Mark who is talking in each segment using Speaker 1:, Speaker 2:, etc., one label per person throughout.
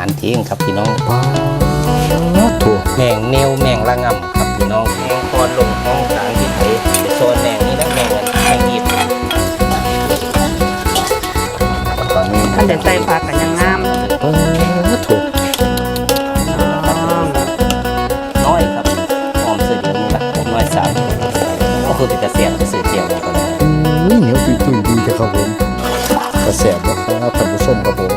Speaker 1: ารเที่ยงครับพี่น้อง
Speaker 2: ถูก
Speaker 1: แมงเนวแมงละงำครับพี่น้องแมงคอนลงห้องสารที่ไทยไปโซนแมงนี้นะแมงอีบตอนนี้
Speaker 3: ท่านเดินใส่ผักกันยังงาม
Speaker 2: ถูก
Speaker 1: น้อยครับหอมเสือเดียวนี่ละน้อยสามก็คือเป็นกระเสียนเสือเดียวกัน
Speaker 2: เหนียวตุยดีแต่ครับผมกระแสบอกครับท่านผู้ชมครับผม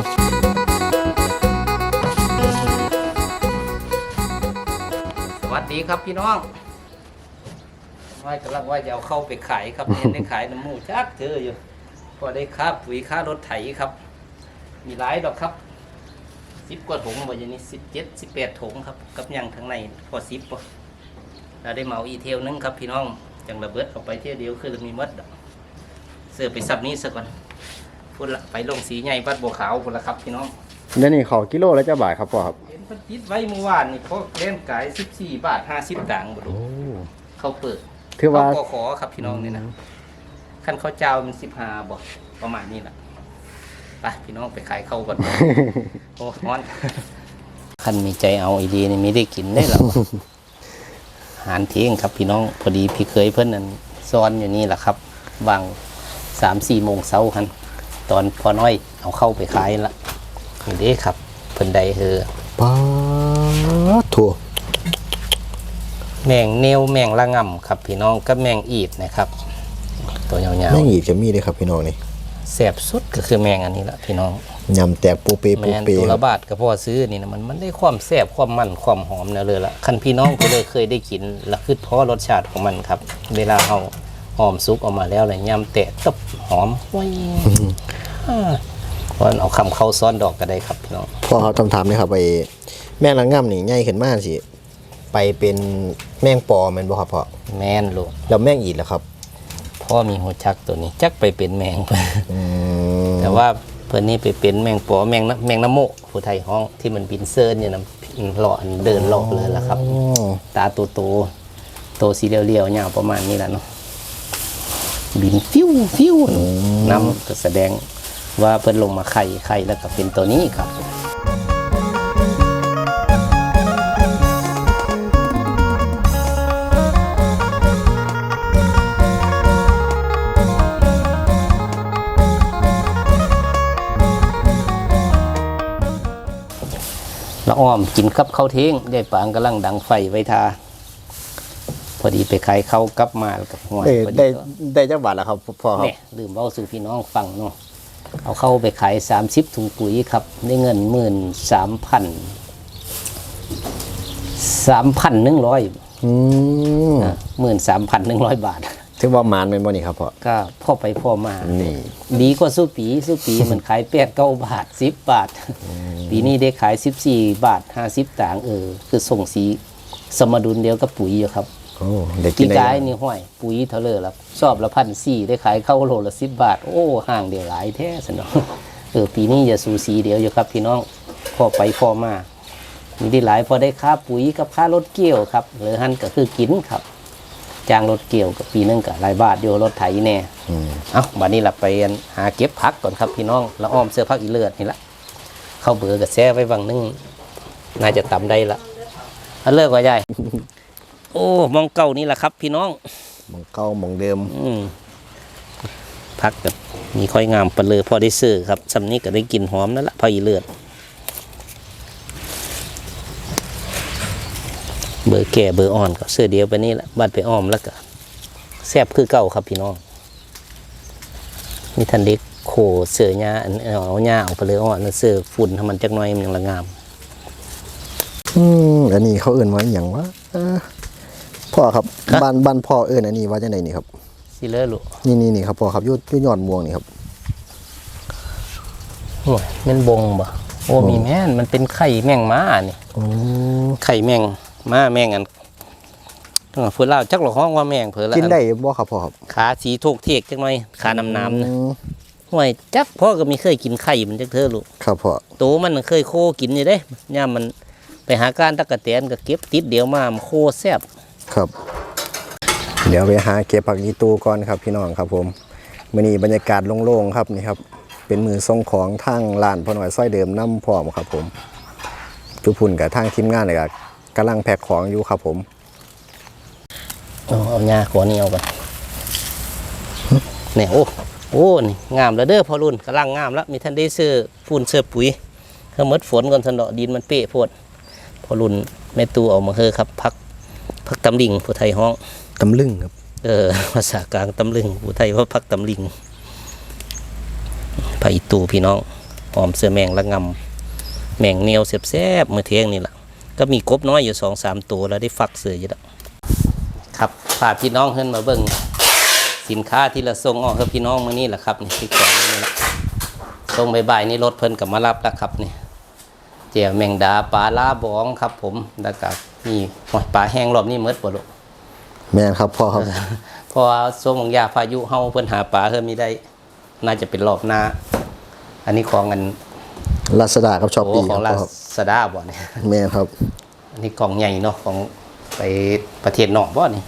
Speaker 1: สวัสดีครับพี่น้องว่ากำลังว่าจะเอาเข้าไปขายครับเนี่ยได้ขายน้ำมูกจักเจออยู่พอได้ค่าปุ๋ยค่ารถไถครับมีหลายดอกครับ10 กว่าถุงวันนี้17-18 ถุงครับกับยังทั้งในพอ10ป่ะเราได้เหมาอีเทลนึงครับพี่น้องจังระเบิดออกไปเที่ยวเดียวคือมีมดเสื้อไปซับนี้ซะก่อนพูดละไปลงสีใหญ่วัดบัวขาวพูดละครับพี่น้อง
Speaker 2: เดี๋ยวนี้ขอกิโลแล้วจะบ่ายครับพ่อครับ
Speaker 1: เห็นพันติดไว้เมื่อวานนี่พวกเล่นขาย14 บาท 50 ตังค์บ่รู้เขาเปิด
Speaker 2: คือว่า
Speaker 1: ขอครับพี่น้องนี่นะขั้นข้าวเจ้ามัน15บ่ประมาณนี้แหละไปพี่น้องไปขายเข้าก่อนโอ้ร้อนขั้นมีใจเอาไอดีนี่มีได้กินได้หรออาหารเที่ยงครับพี่น้องพอดีพี่เคยเพิ่นนั่นซ้อนอยู่นี่แหละครับวาง3-4 โมงเช้าคันตอนพอน้อยเอาเข้าไปขายละนี่เด้ครับเพิ่นใด
Speaker 2: ป้าถั่ว
Speaker 1: แมงเนวแมงละงำครับพี่น้องกับแมงอีดนะครับตัวยาวๆ
Speaker 2: แมงอีดจะมีเลยครับพี่น้องนี่
Speaker 1: แซ่บสุดก็คือแมงอันนี้ละพี่น้อง
Speaker 2: ยำแตกปูเปปูเป
Speaker 1: ตัวละบาทก็พอซื้อนี่นะมันได้ความแซ่บความมันความหอมเนี่ยเลยละคันพี่น้องก็เลยเคยได้กินแล้วคือเพราะรสชาติของมันครับเวลาเอาหอมซุกออกมาแล้วเลยยำแตะตบหอมว้ยก่อนเอาคำเข้าซ้อนดอกก็ได้ครับพี่น้อง
Speaker 2: พ่อเขาถามเลยครับไปแมงละง่ำนี่ใหญ่ขึ้นมากสิไปเป็นแมงปอแมนบ่ครับพ่อ
Speaker 1: แม่นลูก
Speaker 2: แล้วแมงอีดล่ะครับ
Speaker 1: พ่อมีหัวชักตัวนี้จักไปเป็นแมงแต่ว่าเพื่อนนี่ไปเป็นแมงปอแมงน้ำโมผู้ไทยห้องที่มันบินเซิร์นเนี่ยนะหล่อเดินหลอกเลยล่ะครับตาโตสีเรียวๆยาวประมาณนี้แหละเนาะบินฟิวน้ำก็แสดงว่าเพิ่นลงมาไข่แล้วก็เป็นตัวนี้ครับละอ้อมกินกับข้าวเที่ยงได้ปางกำลังดังไฟไว้ทาพอดีไปขายข้าวกลับมาแล้วกับหัว
Speaker 2: ได้จักบาทแล้วครับพ่อครับ
Speaker 1: เนี่ยลืมเล่าสู่พี่น้องฟังเนาะเอาเข้าไปขาย30 ถุงปุ๋ยครับได้เงิน13,100 13,100 บาท
Speaker 2: ถือว่ามานเป็นบ่นี่ครับพ่อ
Speaker 1: ก็พ่อไปพ่อมานี่ดีกว่าสู้ปีมันขาย8-9 บาท10 บาทปีนี้ได้ขาย14 บาท50 ตังค์คือส่งสีสมดุลเดียวกับปุ๋ยอยู่ครับกี่กายนี่ห้อยปุ๋ยเท่าเลยละชอบละ1,400ได้ขายเข้าโลละ10 บาทโอ้ห่างเดียวหลายแท้สนองปีนี้จะสูสีเดียวอยู่ครับพี่น้องพ่อไปพ่อมามีได้หลายพอได้ค่าปุ๋ยกับค่ารถเกี่ยวครับหรือหันก็คือกินครับจ้างรถเกี่ยวกับปีนึงก็หลายบาทอยู่รถไถแน่บัดนี้เราไปหาเก็บผักก่อนครับพี่น้องละอ้อมเสื้อผักอีเลือดนี่ละเข้าเบื่อกับแซ่ไว้วังนึงน่าจะตำได้ละเลิกว่าใหญ่โอ้มองเก่านี่แหละครับพี่น้อง
Speaker 2: มองเก่ามองเดิม
Speaker 1: ผักแบบมีค่อยงามปลาเลยพอได้ซื้อครับสำนี้ก็ได้กินหอมนั่นแหละผักอีเลือดเบอร์แก่เบอร์อ่อนก็เสื้อเดียวไปนี่แหละบัดไปอ้อมแล้วก็แซ่บคือเก่าครับพี่น้องนี่ทันเด็กโขเสื้อหญ้าเอาหญ้าเอาไปเลยอ่อนเสื้อฝุ่นทำมันจักหน่อยมันยังละงาม
Speaker 2: อันนี้เขาเอื่นว่าอย่างวะพ่อครับบ้านพ่อเอื่นอันนี้ว่าจะไหนนี่ครับ
Speaker 1: สิเลอลูก
Speaker 2: นี่ครับพ่อครับยุดยอดม่วงนี่ครับ
Speaker 1: โอ้ยแม่นบงบ่โอ้มีแม่นมันเป็นไข่แมงม้านี่ไข่แมงม้าแมงอันเพื่อเล่าจักหลอกห้องว่าแมงเพื่อละ
Speaker 2: กินได้บ่ครับพ่อครับ
Speaker 1: ขาสีโทกเทกจักหน่อยขาน้ำนะห่วยจักพ่อก็มีเคยกินไข่มันจักเธอลูก
Speaker 2: ครับพ่อ
Speaker 1: โตมันเคยโคกินอยู่เด้ย่ามันไปหาการตะกะแตนก็เก็บติดเดียวมาโคแซ่บ
Speaker 2: ครับเดี๋ยวไปหาเก็บผักยีตูก่อนครับพี่น้องครับผมมื้อนี้บรรยากาศโล่งๆครับนี่ครับเป็นมือทรงของทางร้านพ่อหน่อยซอยเดิมน้ำพร้อมครับผมทุกพุ่นกับทางทีมงานเลยก็กำลังแพ็คของอยู่ครับผม
Speaker 1: เอาหญ้าขอนี่เอาไปเนี่ยโอ้นี่งามแล้วเด้อพอรุ่นกำลังงามแล้วมีท่านได้ซื้อฝุ่นเสื้อปุ๋ยเฮาหมดฝนก่อนทันดอกดินมันเปะโพดพอรุ่นแม่ตู้เอามาเฮอครับพักตำลิงผู้ไทยห้อง
Speaker 2: ตำลึงครับ
Speaker 1: ภาษากลางตำลึงผู้ไทยว่าพักตำลิงผักอีตูพี่น้องหอมเสื้อแมงละงำแมงเนียวแซ่บๆมื้อเที่ยงนี่แหละก็มีกบน้อยอยู่2-3ตัวแล้วได้ฟักเสืออยู่แล้วครับพาพี่น้องเพิ่นมาเบิ่งสินค้าที่เราส่งออกให้พี่น้องมื้อนี้แหละครับนี่ที่ของนี่แหละส่งบ่ายๆนี่รถเพิ่นก็มารับแล้วครับนี่เจียวแมงดาปลาลาบองครับผมแล้วก็มีปลาแห้งรอบนี้หมดบ่ลูก
Speaker 2: แม่นครับพ่อครับ
Speaker 1: เพราะว่าช่วงยาพายุเฮาเพิ่นหาปลาเพิ่นมีได้น่าจะเป็นรอบหน้าอันนี้ของกัน
Speaker 2: ลาซาด้ากับช้อปปี้
Speaker 1: ของ
Speaker 2: ค
Speaker 1: ลา
Speaker 2: รับ
Speaker 1: ซาด้าบ่เนี่ย
Speaker 2: แม่นครับ
Speaker 1: อันนี้กล่องใหญ่เนาะของไปประเทศนอกบ่นี่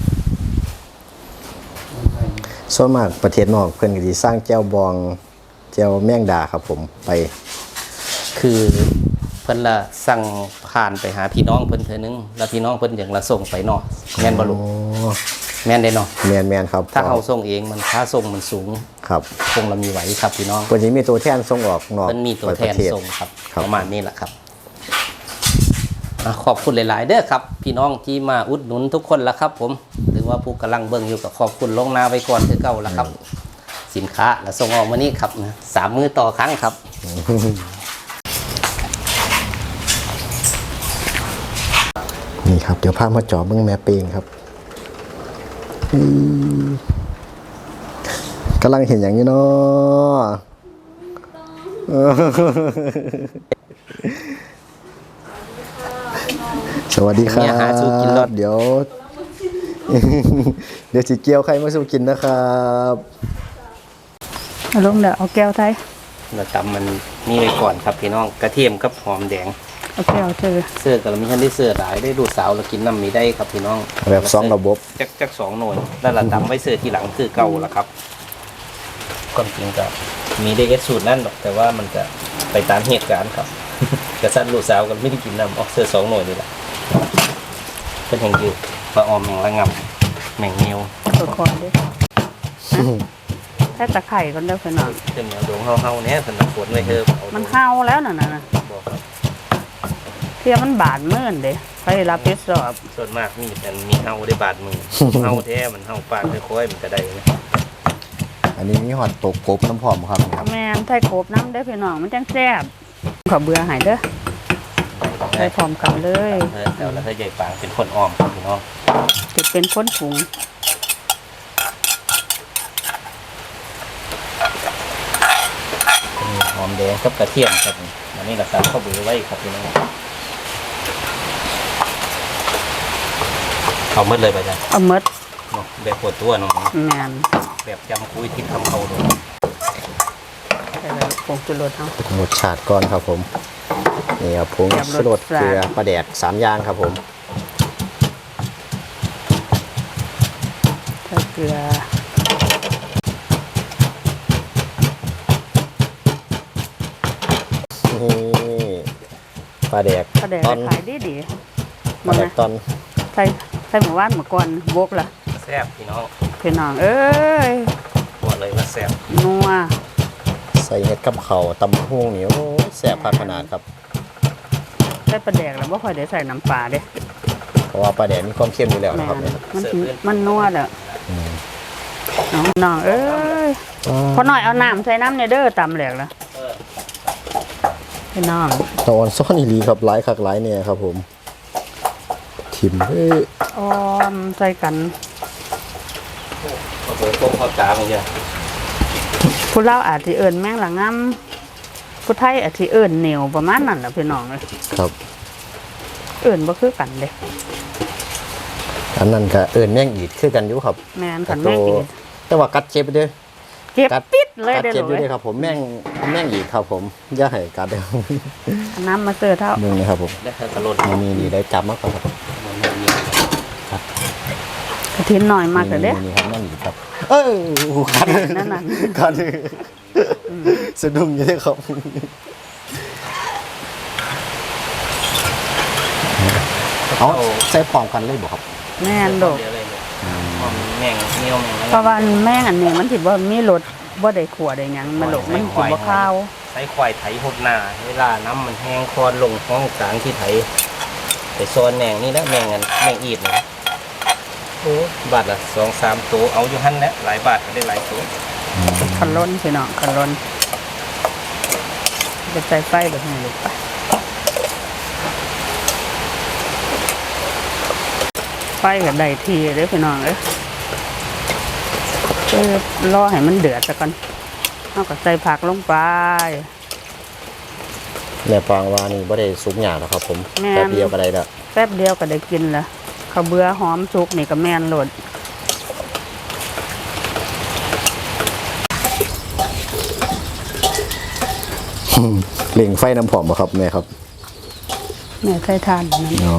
Speaker 2: ส่วนมากประเทศนอกเพิ่นก็สิสร้างแจ่วบองแจ่วแมงดาครับผมไป
Speaker 1: คือเพิ่นละสั่งผ่านไปหาพี่น้องเพิ่นเทื่อนึงแล้วพี่น้องเพิ่นอย่างละส่งไปนอกแม่นบ่ลูก
Speaker 2: อ๋อ
Speaker 1: แม่นได้เนาะ
Speaker 2: แม่นครับ
Speaker 1: ถ้าเฮาส่งเองมันค่าส่งมันสูง
Speaker 2: ครับ
Speaker 1: คงละมีไหวครับพี่น้อง
Speaker 2: เพิ่นสิมีตัวแทนส่งออกนอก
Speaker 1: มันมีตัวแทน
Speaker 2: ประเศ
Speaker 1: ส่งครับ
Speaker 2: ครับ
Speaker 1: ประมาณนี้แหละครับขอบคุณหลาย ๆ เด้อครับ พี่น้องที่มาอุดหนุนทุกคนละครับ ผมหรือว่าผู้กำลังเบิ่งอยู่กับขอบคุณลวงหน้าไว้ก่อนคือเก่าละครับ สินค้าและส่งออกมานี่ครับนะ3 มื้อต่อครั้งครับ
Speaker 2: นี่ครับเดี๋ยวพามาเจาะเบิ่งแม่เปงครับกำลังเห็นอย่างนี้เนาะ สวัสดีครั
Speaker 1: เนี่ยหาสู้กินร
Speaker 2: บ
Speaker 1: ส
Speaker 2: เดี๋ยว เดี๋ยวสิเกียวใครมาสู้กินนะครับ
Speaker 3: เอาลงเดี๋ยวเอาแก้วไทย
Speaker 1: เราตำมันนี่ไว้ก่อนครับพี่น้องกระเทียมกับหอมแดง
Speaker 3: เอาแก้วเธอ
Speaker 1: เสื้อกับเรามีท่านได้เสื้อหลายได้ดูสาวเรากินน้ำมีได้ครับพี่น้อง
Speaker 2: แบบสองระบบ
Speaker 1: จัก2 หน่วยแล้วเราตำไว้เสื้อทีหลังคือเก่าละครับความจริงก็มีได้เอสสูตรนั่นหรอกแต่ว่ามันจะไปตามเหตุการณ์ครับ กระสันลูกสาวกันไม่ได้กินน้ำออกเสื้อ2 หน่วยนี่แหละเป็นแห่งยืดปลาออมแมงละงำแมงเนียว
Speaker 3: ตัวคอด้วยแค่ตะไคร่ก่อนเด้อเพื่อนน้อง
Speaker 1: เป็นแนวดวงเฮาๆเนี่ยสนับสนุนไว้เถอะเอา
Speaker 3: มันเห่าแล้วน่ะนะ
Speaker 1: บอกครับ
Speaker 3: เทียมันบาดมื่นเด้ไปรับผิดชอบ
Speaker 1: ส่วนมากมีแต่มีเฮาได้บาดมือ เฮาแท้มันเฮาปากค่อยๆมันก็ได้นะ
Speaker 2: อันนี้มีหอดตกกบน้ำหอมครับนี่ครับ
Speaker 3: แม่นไทยโกบน้ำเด้อเพื่อนน้องมันจังแซ่บขอเบื่อใหายเด้อไปพร้อมกันเลย
Speaker 1: แล้วถ้าใหญ่ปางเป็นคนอ้อมครับพี่น้อง
Speaker 3: ติดเป็นคนผง
Speaker 1: หอมแดงกับกระเทียมครับอันนี้เราตำข้าวเบือไว้ครับพี่น้องเอาหมดเลยไปจ้ะ
Speaker 3: เอาหมด
Speaker 1: เนาะแบบปวดตัวเน้อง
Speaker 3: แม่น
Speaker 1: แบบจำคุยที่ทำเขาเลย
Speaker 3: ใส่เลยผงจุรสเอา
Speaker 2: รสชาติก่อนครับผมนี่ครับผง
Speaker 3: แบบ
Speaker 2: ชูรส
Speaker 3: รส
Speaker 2: เกลือปลาแดก3 อย่างครับผม
Speaker 3: ใส่เกลือ
Speaker 2: นี่ปลาแดก
Speaker 3: กระแดก
Speaker 2: ตอน
Speaker 3: ขายดีๆ
Speaker 2: ปลาแดก
Speaker 3: นะ
Speaker 2: ตอน
Speaker 3: ใส่หมู่บ้านหมู่ก่อนบกล่ะ
Speaker 1: แซ่บพี่น้อง
Speaker 3: พี่น้องเอ้ย
Speaker 1: บอกเลยว่าแซ่บ
Speaker 3: นัว
Speaker 2: ใส่เห็ดกับเขาวตำหุ่งนี่โอ้ยแซ่บขนาดครับ
Speaker 3: ใส่ปลาแดกแล้วบ่ค่อยได้ใส่น้ำปลาเด้
Speaker 2: เพราะว่าปลาแดกมีความเค็มอยู่แล้ว
Speaker 3: แม่
Speaker 2: นะครับ
Speaker 3: น
Speaker 2: เนี่ย
Speaker 3: มันนัวแหละน้องเอ้ยพอหน่อยเอาน้ำใส่น้ำเนี่ยเด้อตำแหลกแล้วพี่น้อง
Speaker 2: ตอนซ่อนอีหลีครับหลายคักหลายเนี่ยครับผมทิมเอ้ย
Speaker 3: ออมใส่กัน
Speaker 1: ข้าวเบือต้มข้าวจ๋ามันจะ
Speaker 3: ผู้เล่าวอาจสิเอิ้นแมงละงำผู้ไทยอาจสิเอิ้นเหนียวประมาณนั้นล่ะพี่น้องเอ้ย
Speaker 2: ครับ
Speaker 3: เอิ้นบ่คือกันเด้
Speaker 2: อันนั้นก็เอิญแม่งอีดคือกันอยู่ครับ
Speaker 3: แม่นกันแม่งอีก
Speaker 2: แต่ว่ากัดเจ็บเด้อ
Speaker 3: เก็บปิดเลย
Speaker 2: กัด
Speaker 3: เด้อ
Speaker 2: เจ็บอยู่
Speaker 3: เลย
Speaker 2: เด้อครับผมแม่งอีดครับผมอย่าให้กัดเด้อ
Speaker 3: เอาน้ำมาเสิร์ฟเท่า
Speaker 2: มึงนี่ครับผม
Speaker 1: ได้เธอกระโดด
Speaker 2: นี่ได้จับมากครับ
Speaker 1: มันไม่มี
Speaker 3: กระถินหน่อยมากเลยเด้อ
Speaker 2: นี่ครับแม่งอีดครับกัด
Speaker 3: นั่นน่ะ
Speaker 2: กัดสะดุ้งอยู่เด้อครับเอาใส่พร้อมกันเลยบ่ครับ
Speaker 3: แม่นโดก
Speaker 1: เดี๋ยวเลยแม่งเนียวแม่ง
Speaker 3: เพราะว่าแม่งอันนี้มันสิบ่มีรสบ่ได้ขัวได้หยังมันโลกมันสิบ่ข้าว
Speaker 1: ใช้ควายไถหดหน้าเวลาน้ำมันแห้งคอนลงห้องสางที่ไถไปโซนแมงนี่นะแมงอันแมงอีดนะโอ้บาทละ2-3ตัวเอาอยู่หั่นแหละหลายบาทก็ได้หลายตัว
Speaker 3: คันล้นพี่น้องคันล้นจะใส่ไฟแบบนี้ลูกไปไฟก็ได้ทีเด้อพี่น้องเอ้ยรอให้มันเดือดซะก่อนเอาก็ใส่ผักลงไป
Speaker 2: แม่ปางว่านี่บ่ได้สุกหยาบนะครับผม
Speaker 3: แม่น
Speaker 2: แป๊บเดียวก็ได้ละ
Speaker 3: แป๊บเดียวก็ได้กินละข้าวเบื่อหอมสุกนี่ก็แม่นโหลด
Speaker 2: เล่งไฟน้ำผอมบ่ครับแม่ครับ
Speaker 3: แม่ใส่ทานอันนั้น
Speaker 2: อ๋อ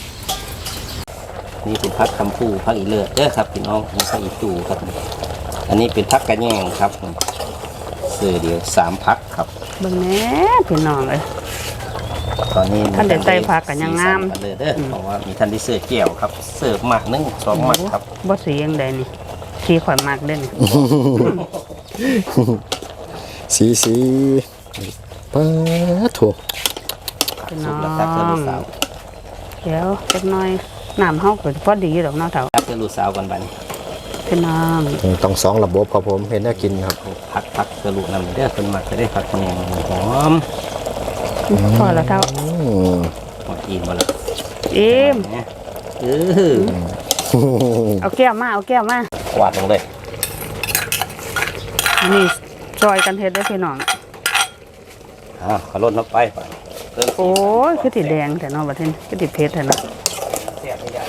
Speaker 1: นี่เป็นพักคำพูพักอีเลือดเด้อครับพี่น้องนี่พักอีตูครับอันนี้เป็นพักกระแยงครับเสือเดียว3พักครับ
Speaker 3: เบิ่งแหน่พี่น้องเอ้ย
Speaker 1: ตอนนี้
Speaker 3: ท่านได้ใส่ผักกันยังงาม
Speaker 1: สีสันเลยเด้อเพราะว่ามีท่านได้เสิร์ฟเกี่ยวครับเสิร์ฟหมัก1 2หมักครับ
Speaker 3: บ่สียังใดนี่สีข่อยมากเด้นี่
Speaker 2: สีป้าโถ
Speaker 3: พี่
Speaker 1: สุ
Speaker 3: น้อก
Speaker 1: แล้วครับเพื่อนลู
Speaker 3: ง
Speaker 1: กสาว
Speaker 3: เดี๋ยวจักหน่อยน้ำเฮาก็พอดีดอกเนาะเฒ่า
Speaker 1: ครับเพื่อนลูกสาวกันบัดนี้
Speaker 3: พี่น้อง
Speaker 2: ต้อง2ระบบครับผมเห็นน่ากินครับ
Speaker 1: พักเพื่อนลูกนำเด้อเพื่อนหมักจะได้พักแยงหอม
Speaker 3: พอแล้วเฒ่า
Speaker 2: อืม
Speaker 1: หอมอิ่มมาแล้ว
Speaker 3: อิ่ม
Speaker 1: เนี่ย
Speaker 3: เอาแก้วมาเอาแก้วมาก
Speaker 1: วาดลงเลย
Speaker 3: อันนี้ซอยกันเฮ็ดเด้อพี่น้อง
Speaker 1: ขอลดน้ำไปก่อนเพิ่ม
Speaker 3: โอ้ยคือสิแดงแต่เนาะบัดนี้คือสิเผ็ดแต่เนาะ
Speaker 1: เสียบไม่ได้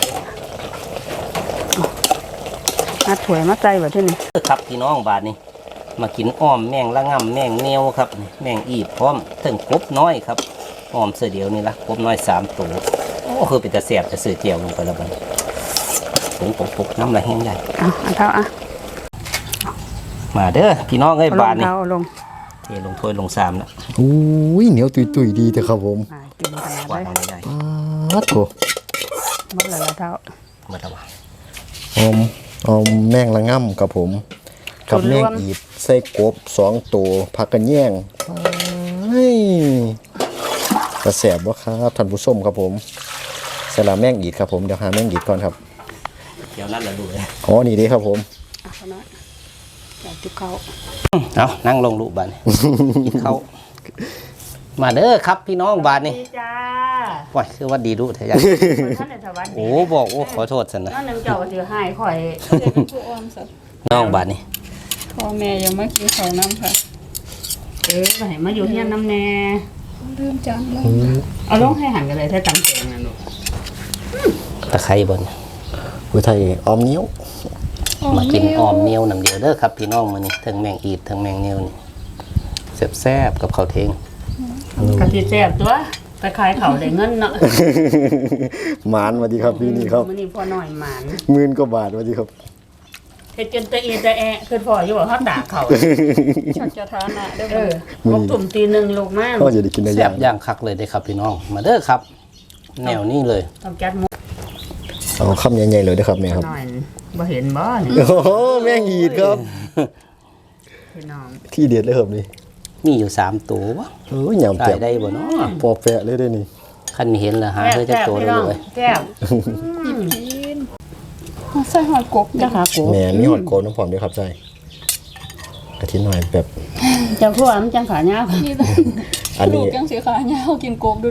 Speaker 3: มาถ้วยมาใส่บัดนี้
Speaker 1: ครับพี่น้องบาทนี้มากินอ้อมแมงละง่ำแมงเนียวครับแมงอีดพร้อมถึงกบน้อยครับอ้อมเสือเดียวนี่ละกบน้อย3ตัวโอ้คือเป็นตะเสียบจะสื่อเจียวลงไปแล้วบัดนี้ปุกน้ำละแห้งใหญ่
Speaker 3: เอาอันเท่าอ่ะ
Speaker 1: มาเด้อพี่น้องเอ้ย
Speaker 3: เอาล
Speaker 1: บาง ทนี้
Speaker 3: เอาลง
Speaker 1: เทลงถ้วยลงสามแล้ว
Speaker 2: อุ้ยเหนียวตุยๆดีแต่ครับผม
Speaker 3: กินขนาด
Speaker 1: วาด
Speaker 3: ได้
Speaker 1: ลงใหญ่
Speaker 2: ป้าโถ
Speaker 3: หมดแล้วล่ะเท่า
Speaker 1: มาตะวัน
Speaker 2: อมแมงละง่ำครับผมกับแมงอีดใส่กบ2ตัวผักกันแย่งเฮ้ยกระแสบบ่ครับท่านผู้ชมครับผมใส่ละแมงอีดครับผมเดี๋ยวหาแมงอีดก่อนครับ
Speaker 1: เดี๋ยวนั่นแหละดูเลย
Speaker 2: อ๋อนี่เด้ครับผม
Speaker 3: อ่ะขนาดอยากจุกเขา
Speaker 1: เอานั่งลงลูกบาทนี้ กินข้าวมาเด้อครับพี่น้องบาทนี้
Speaker 3: ดีจ้า
Speaker 1: ว้ายคือว่าดีดูเถอะยาย
Speaker 3: ท่านในสวัสดี
Speaker 1: โอ้บอกโอ้ขอโทษสันนะ
Speaker 3: นั่นนึงเจ้าสิให้ข่อย
Speaker 4: เด็กเป็นผู้อ้อมสัตว์
Speaker 1: น้องบาทนี้
Speaker 4: พ่อแม่ยังไม่กินข้าวน้ำค่ะ
Speaker 3: ให้มาอยู่เฮียนน้ำแน่
Speaker 4: ลืมจานแล้ว
Speaker 3: เอาลงให้หันกันเลยถ้าจำเป็นนะลูก
Speaker 1: ตะไคร้บน
Speaker 2: ผู้ไทยออมเหนียว
Speaker 1: มากินอ้อมเนียวน้ำเดียวเด้อครับพี่น้องมื้อนี้ทั้งแมงอีดทั้งแมงเนียวนี่แซ่บๆกับข้าวเทง
Speaker 3: กะทิแซ่บตัวตะไคร้เขาได้เงินเนาะ
Speaker 2: หมานสวัสดีครับพี่นี่ครับ
Speaker 3: มื้อนี้พ่อน้อยหมาน
Speaker 2: 10,000กว่าบาทสวัสดีครับ
Speaker 3: เฮ็ดจนตะเอียตะแอะคือพ่ออยู่ว่าเฮาด่าเขา
Speaker 4: ชักจะทานะได้
Speaker 3: เอ
Speaker 4: บ่
Speaker 3: อพกตุ่มตีหนึงลูกมา
Speaker 2: ก็จะได้กินได้
Speaker 1: แซ่
Speaker 2: ย่า
Speaker 1: บ
Speaker 2: ง
Speaker 1: ย่างคักเลยเด้อครับพี่น้อง มาเด้อครับ แนวนี้เลย
Speaker 3: ต้องจัดหมู
Speaker 2: เอาคำใหญ่ๆเลยนะครับแม่ครับ
Speaker 3: หน่อยบ่เห็นบ่นี่
Speaker 2: โอ้โหแมงอีดครับ
Speaker 3: พี่น้อง
Speaker 2: ที่เด็ดเลยครับนี่
Speaker 1: มีอยู่3ตัววะ
Speaker 2: โอ้ยยำ
Speaker 1: ได้
Speaker 2: แจ่ม
Speaker 1: ได้บ่เนาะ
Speaker 2: พอแปะเลยได้นี่
Speaker 1: คันเห็นแล้วหาเธอจะ
Speaker 3: แซ่บ
Speaker 1: ตัว
Speaker 3: พี่
Speaker 1: เล
Speaker 3: น้อง
Speaker 1: ย
Speaker 3: แซ่บ
Speaker 4: กินใส่หอยกบ
Speaker 3: จ้าขากู
Speaker 2: แม่มีหอดโกนน้ำผอมด้วยครับใจกะทิหน่อยแบบ
Speaker 3: เจ้าพวกมันจังขายาว
Speaker 4: นี่เลย
Speaker 2: อัน
Speaker 4: ลู
Speaker 2: นี้
Speaker 4: กยังสีขาเงากินกบดู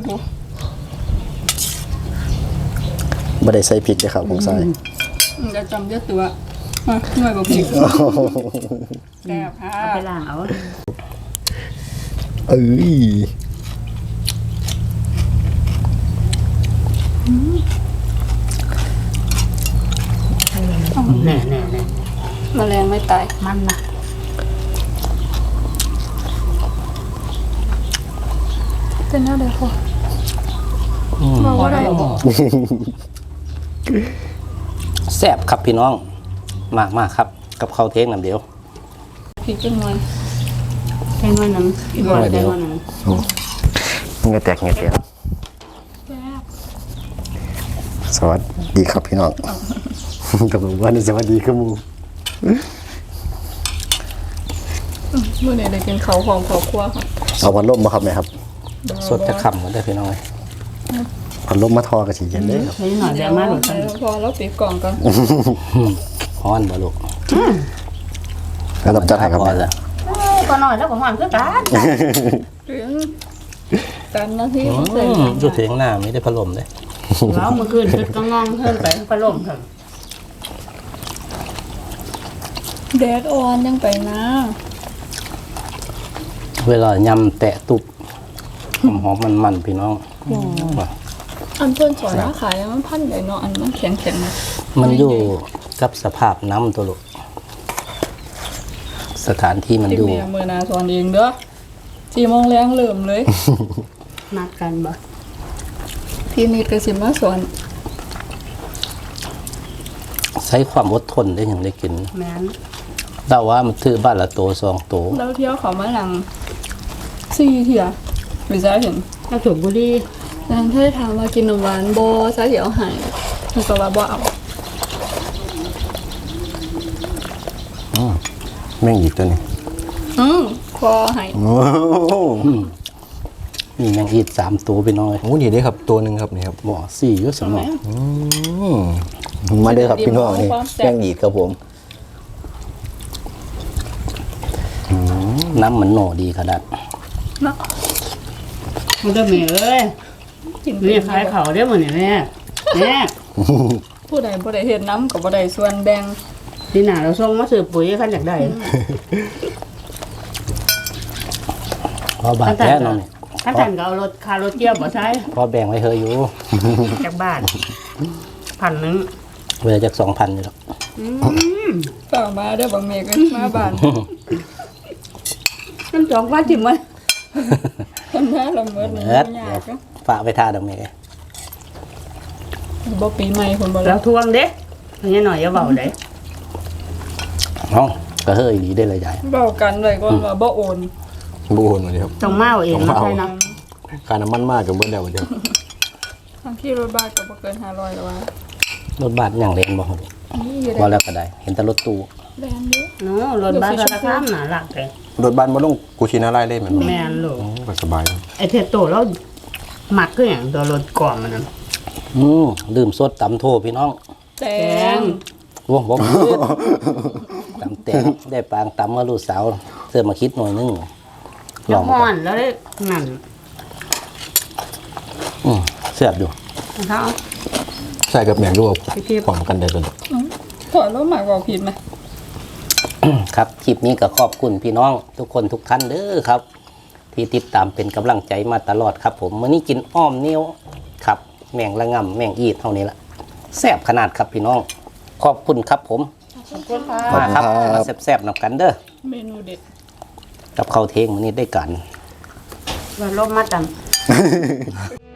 Speaker 2: ไม่ได้ใส่พริกเลยครับของใส่
Speaker 4: จะจำเยอะตัวอ่ะหน่วยบอกผิดแซ่บค่ะ
Speaker 3: เอาไปล้างเอา
Speaker 2: เอ้ย
Speaker 3: แน่
Speaker 4: แมลงไม่ตาย
Speaker 3: มันนะ
Speaker 4: เป็นหน้าเดียวพอ
Speaker 1: อืม
Speaker 4: บอกว่าได้บอก
Speaker 1: แซ่บครับพี่น้องมากครับ กับข้าวเทงน้ำเดียว
Speaker 4: ผิดจังเลย
Speaker 3: แค่น้อยหนึงอีกบ่ได้น้อยหนึง
Speaker 2: เงยแตกเงยเตียง
Speaker 4: แซ่บ
Speaker 2: สวัสดีครับพี่น้องกับผมว่าสวัสดีครับหมู
Speaker 4: เมื่อไหร่ได้กินเขาวของครอบครัวค่ะ
Speaker 2: เอาพัดลมมาครับไหมครับ
Speaker 1: สดจะขำกันได้อพี่น้องเลย
Speaker 2: พัดลมมาทอกระสีเย็นเลยครับ
Speaker 3: นี่หน่อยเดี๋ยวมาหลุด
Speaker 4: พอแล้วปิดกล่องกัน
Speaker 1: ฮ้อนบ่ลูก
Speaker 2: แล้วเราจะถ่ายครับ
Speaker 1: พอ
Speaker 2: แม่
Speaker 1: แล้ว
Speaker 3: ก็หน่อยแล้วก็หอนคือกัน
Speaker 4: ถึงกันนาที
Speaker 1: จุดถึงหน้าไม่ได้พัดลมเลย
Speaker 3: แล้วเมื่อคืนชุดก็งองเพิ่นไปพัดลมค่ะ
Speaker 4: แดดอ่อนยังไปนะ
Speaker 1: เวลายำแตะตุบหอมๆมันๆพี่น้อง
Speaker 4: อันเพื่อนสอนว่าขายมันพันใหญ่เนาะอันมันแข็งแข็งๆนะ
Speaker 1: มันอยู่กับสภาพน้ำตัวลูกสถานที่มัน
Speaker 4: ที่
Speaker 1: อยู่
Speaker 4: เมียมือนาสอนเองเด้อ4 โมงแรงเริ่มเลย
Speaker 3: นัดกันบ่
Speaker 4: พี่นิดก็สิมาสอน
Speaker 1: ใช้ความอดทนได้อย่างได้กิน
Speaker 3: แม่น
Speaker 1: แต่ว่ามันถือบ้านละโต2 โต
Speaker 4: แล้วเที่ยวเขามาหลัง4 เที่ยไม่ใช่เห็น
Speaker 3: ถ้าสูบบุหรี่
Speaker 4: นางเธอถามว่ากินนมหวานบ่ซะเดี๋ยวหายมันก็ว่าบ่เอา
Speaker 2: แม่งหยิบตัวนี้
Speaker 4: คอหาย
Speaker 2: โอ้โห
Speaker 1: มีแมงอีด3 ตัวพี่น้องเลย
Speaker 2: โอ้นี่ได้ครับตัวหนึ่งครับนี่ครับ
Speaker 1: บ่4อยู่สมอง
Speaker 2: มาเด้อครับพี่น้องนี่แม่งหยิบครับผม
Speaker 1: น้ำมันโหนดีขนาด
Speaker 4: เนาะ
Speaker 3: มันก็แม่เอ้ย
Speaker 4: กิน
Speaker 3: นี่ขายเขาเด้อมื้อนี้แม่แม่
Speaker 4: ผู้ใดบ่ได้เฮ็ดน้ำก็บ่ได้ส่วนแบ่ง
Speaker 3: ที่หน้าเราส่งมาซื้อปุ๋ยคันอยากได้
Speaker 1: พอบาทแท้น้องนี่
Speaker 3: คันท่านก็เอารถค่ารถเกี่ยวบ่ใช้
Speaker 1: พอแบ่งไว้เฮยอยู่
Speaker 3: จากบ้าน1,000
Speaker 1: เวลาจาก2,000อยู่หรอก
Speaker 4: ฝากมาเด้อบางเมฆมาบ้าน
Speaker 3: น้ำจอกว่าจิ๋มมัน
Speaker 4: ทำหน้าละเมิดนี่
Speaker 1: เอิด
Speaker 4: ยากเนาะ
Speaker 1: ฝากไปท่าดอกเมย์
Speaker 4: บ่ปีใหม่คนบ่
Speaker 3: แล้
Speaker 4: รั
Speaker 3: ว
Speaker 4: บ
Speaker 3: ทวงเด้อันนี้หน่อยอย่าเบาเด้
Speaker 1: น้องก็เฮยดีได้เลยใหญ่
Speaker 4: เว้ากันไว้ก่อนว่าบ่โอน
Speaker 2: บูนมาเดียว
Speaker 3: ต้องมาเอาเองมาใช่นะ
Speaker 2: การน้ำมันมากกับเบิ้ลเดียวเดียว
Speaker 4: ทางที่รถบัสก็บ่เกิน500แล้วว่าร
Speaker 1: ถบัสอย่างเล่นบ่ฮู้
Speaker 4: นี่อยู่
Speaker 1: บ่
Speaker 4: ได้
Speaker 1: แล้วก็ได้ เห็นแต่รถตู้
Speaker 4: แบนเด้อ
Speaker 3: เนาะรถบัสราคาหนาหลักเลย
Speaker 2: รถบ้านมาลงกูชินาไล่เล่นเหมือน
Speaker 3: แม่นลูก
Speaker 2: ก็สบาย
Speaker 3: ไอเทโตแล้วหมักก็อย่างตัวรถก่อนมันนั่น
Speaker 1: ลืมสดตำโทพี่น้อง
Speaker 4: แต
Speaker 3: แต
Speaker 4: ง
Speaker 3: ง
Speaker 1: โอ้บ่ผิดตำแตงได้ปางตำมาลูกสาวเสื้อมาคิดหน่อยนึงล
Speaker 3: แล้
Speaker 1: อ
Speaker 3: ว
Speaker 1: ง
Speaker 3: ห่อ
Speaker 1: ก่อน
Speaker 3: นแล้วได้นั่น
Speaker 1: เสียบอยู่
Speaker 3: นะคะ
Speaker 2: ใช่กับแมงรูปพร้อมกันได้เลย
Speaker 4: ถอยรถหมากบอกผิดไหม
Speaker 1: ครับคลิปนี้ก็ขอบคุณพี่น้องทุกคนทุกท่านเด้อครับ ที่ติดตามเป็นกำลังใจมาตลอดครับผมมื้อนี้กินอ้อมนิ้วครับแมงละงำแมงอีดเท่านี้ละแซ่บขนาดครับพี่น้อง ขอบคุณครับผม
Speaker 3: ขอบคุณค่ะ
Speaker 1: มาครับมาแซ่บๆนำกันเด้อ
Speaker 4: เมนูเด็ด
Speaker 1: กับข้าวเทงมื้อนี้ได้กัน
Speaker 3: ว่าลมมาตัน